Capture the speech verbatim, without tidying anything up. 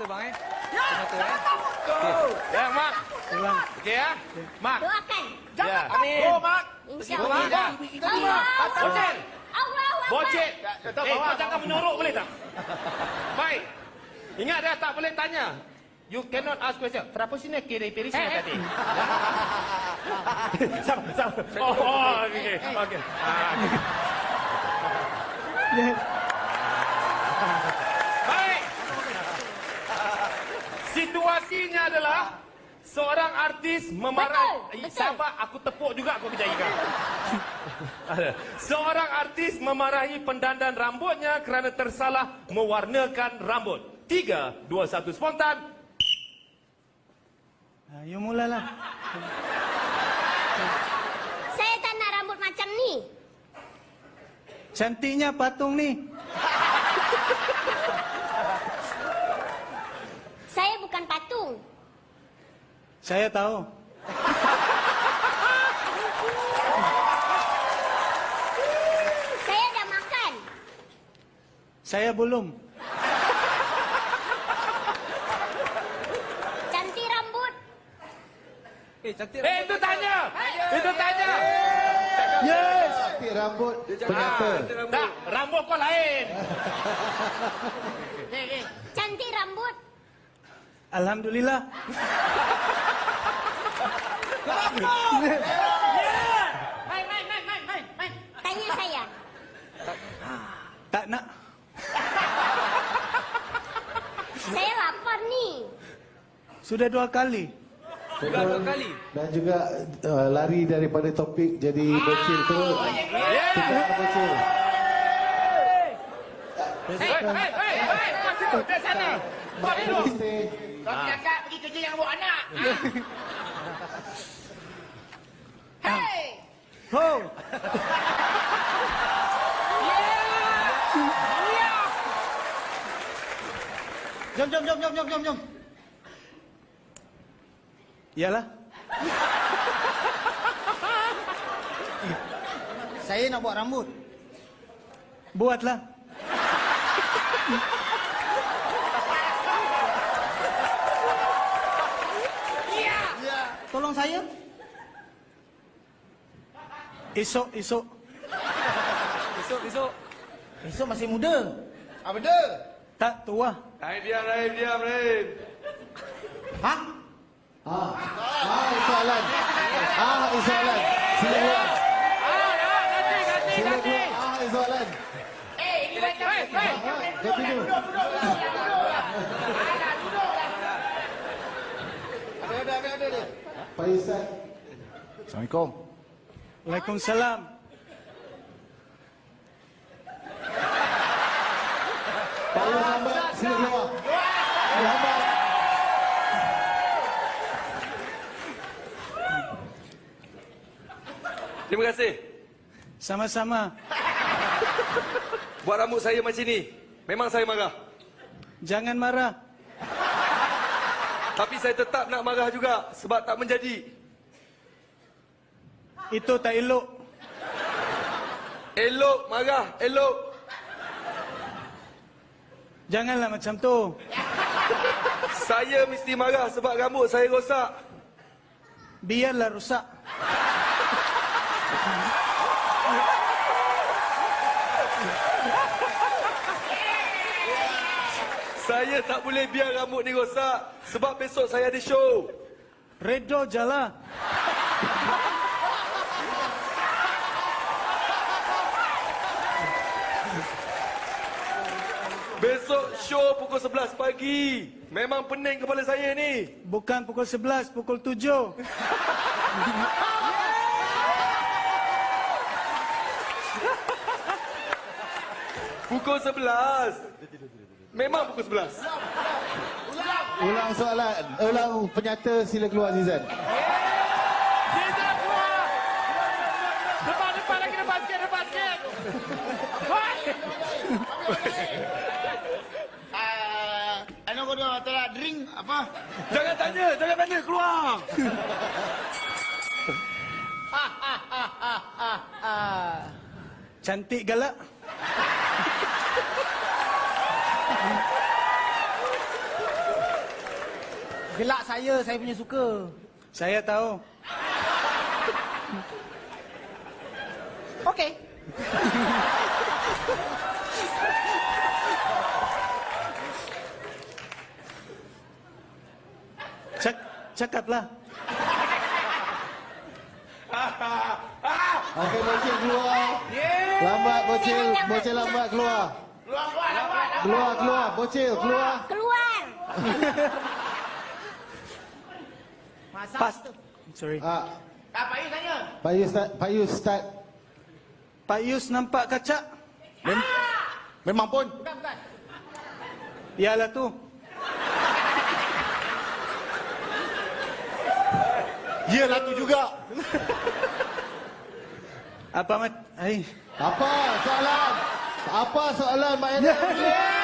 mata bang eh. Tutup mata eh. Go. Ya, Mak. Ulang. Okey ya. Mak. Doakan. Ya. Amin. Go, Mak. InsyaAllah. Mak. Allah. Bocet. Allah. Bocet. Eh, kau jangan menyorok boleh tak? Baik. Ingat dah tak boleh tanya. You cannot ask question. Berapa sini kiri piri sini tadi? Sama, sama. Oh, oh, okey. Okey. Ah, okey. Baik. Situasinya adalah seorang artis memarahi. Betul, betul. Sabar, aku tepuk juga aku kejaya kau. Seorang artis memarahi pendandan rambutnya kerana tersalah mewarnakan rambut. Tiga, dua, satu, spontan. Ha, you mulalah. Saya tak nak rambut macam ni. Cantiknya patung ni. Saya bukan patung. Saya tahu. Saya dah makan. Saya belum. Cantik rambut. Eh, cantik. Eh, itu tanya. Itu tanya. Yes. Cantik rambut penyata. Tak, rambut kau lain. Cantik rambut. Alhamdulillah. Main, main, main, main, main, main. Tanya saya. Tak nak. Saya lapar ni. Sudah dua kali. Sudah dua kali. Dan juga uh, lari daripada topik jadi bocil terus. Tukar bocil. Hei, hei, hei, hei. Kau situ, dari sana. Kau duduk. Kau cakap pergi kerja yang bawa anak. Hei. Ho. Jom, jom, jom, jom, jom, jom, jom. Yalah. Saya nak buat rambut. Buatlah. Tolong saya. Esok, esok. Besok, besok. Esok masih muda. Apa benda? Tak tua. Rahim diam, Rahim diam, Rahim. Ha? Ah, ah, soalan. Ah, soalan. Sila keluar. Sila keluar. Ah, soalan. Eh, ini macam Hei, hei. Ganti dulu. Ada, ada, ada, ada, ada. Pak Ustaz. Assalamualaikum. Waalaikumsalam. Pak Muhammad, sila keluar. Muhammad. Terima kasih. Sama-sama. Buat rambut saya macam ni. Memang saya marah. Jangan marah. Tapi saya tetap nak marah juga sebab tak menjadi. Itu tak elok. Elok marah, elok. Janganlah macam tu. Saya mesti marah sebab rambut saya rosak. Biarlah rusak. Saya tak boleh biar rambut ni rosak sebab besok saya ada show. Redo jalan. Besok show pukul sebelas pagi. Memang pening kepala saya ni. Bukan pukul sebelas, pukul tujuh. Pukul sebelas. Memang pukul sebelas. Ulang soalan. Ulang penyata, sila keluar Zizan. Kita keluar. Depan, depan lagi, depan sikit, depan sikit. Hei. Ah, ano ko doon? Tara, drink apa? Jangan tanya, jangan tanya, keluar. Cantik galak. Gelak saya, saya punya suka. Saya tahu. Okey. Cak, cakaplah. Okey, bocil keluar. Lambat bocil, bocil lambat keluar. Keluar, keluar, lambat. Keluar, keluar, bocil keluar. Keluar. Masa Pas. tu. Sorry. Ah, Ah, Pak Yu tanya. Pak Yus start, Pak Yus start. Pak Yus nampak kaca? Memang pun. Bukan, bukan. Yalah tu. Iyalah tu juga. Apa mat? Ay. Apa soalan? Apa soalan Mak Enok?